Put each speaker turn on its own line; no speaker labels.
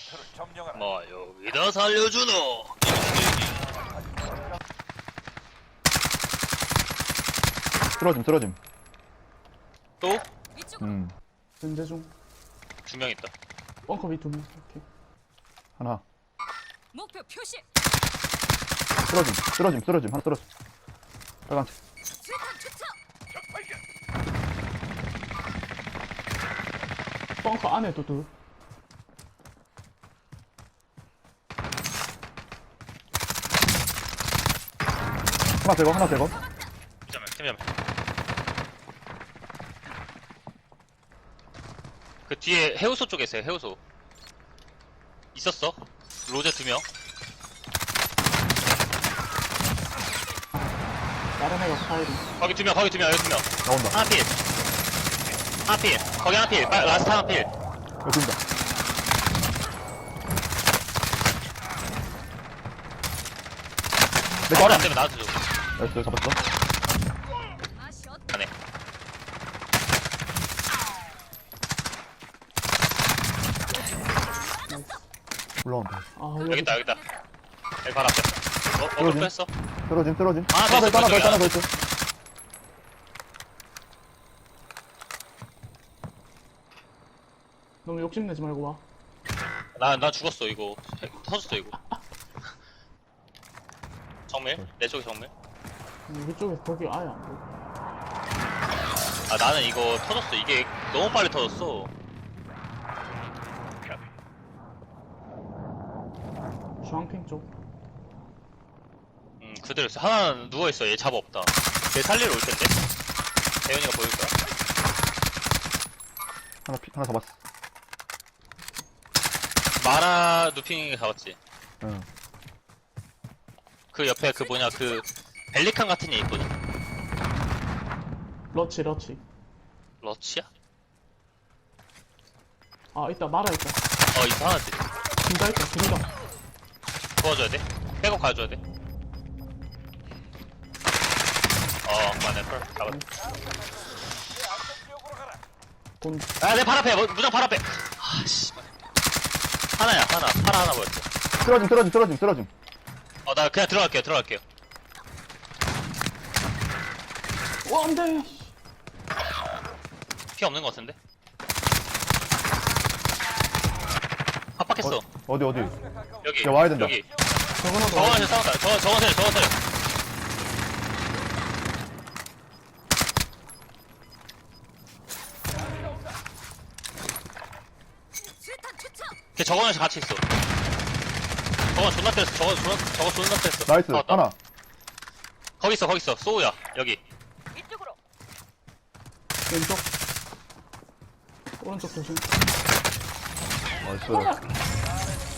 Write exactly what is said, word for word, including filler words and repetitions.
목표를 점령하라.
뭐 여기다 살려주노.
쓰러짐 쓰러짐.
또?
음
현재 중.
두 명 있다.
벙커 밑 두 명. 오케이.
하나
목표 표시.
쓰러짐 쓰러짐 쓰러짐 하나 쓰러짐. 빨간색.
수탄 투척.
벙커 안에도 둘.
하나 제거 하나 제거.
팀자면 팀자면. 그 뒤에 해우소 쪽에 있어요. 해우소. 있었어. 로제 두 명.
다른 애가 파이리.
거기 두 명. 거기 두 명. 여기 두 명.
나온다.
하나 필. 하나 필. 거기 하나 필. 빨- 라스트 하나 필.
여기 뛴다. 내
말이
거라.
안 되면 나한테 줘.
나이스 잡았어.
아 샷.
안해.
올라온다.
아
여기
여기.
있다. 여기 있다. 여기 바로 앞에. 어? 어?
그러지.
또 했어?
쓰러짐 쓰러짐.
하나 더
하나 더
있어,
있다 하나 더 있다
저쪽에
하나 더 있어.
너무 욕심내지 말고 와.
나, 나 죽었어, 이거. 터졌어, 이거. 정밀? 내 쪽에 정밀?
여기 쪽에 거기 아예 안 보여.
아, 나는 이거 터졌어. 이게 너무 빨리 터졌어.
주황핑 쪽.
음, 그대로 있어. 하나는 누워있어. 얘 잡아 없다. 얘 살리러 올 텐데? 대현이가 보일 거야?
하나 피 하나 잡았어.
마라 누핑이 잡았지.
응.
그 옆에 그 뭐냐, 그, 벨리칸 같은 애 있거든?
러치 러치.
러치야?
아 있다 말아 있다.
어, 있어, 하나지.
둘다 있다 둘다.
도와줘야 돼? 백업 가줘야 돼? 어, 맞네, 펄. 잡았다.
내 안전 지역으로 가라.
돈.
아, 내 발 앞에! 뭐, 무장 발 앞에! 아, 씨. 하나야, 하나. 파라 하나 보였어.
쓰러짐 쓰러짐 쓰러짐 쓰러짐.
어, 나 그냥 들어갈게요, 들어갈게요.
와 안돼.
피 없는 것 같은데? 합박했어.
어디 어디.
여기.
야, 와야 된다.
여기.
저거나 더.
저거한테 싸웠다. 저, 저거한테, 저거한테.
수탄 투척.
걔 저거한테 같이 있어. 저거 존나 때렸어. 저거 존나, 저거 존나 때렸어.
나이스
잡았다.
하나.
거기 있어, 거기 있어. 소우야. 여기.
이쪽으로.
왼쪽. 오른쪽 조심.
나이스.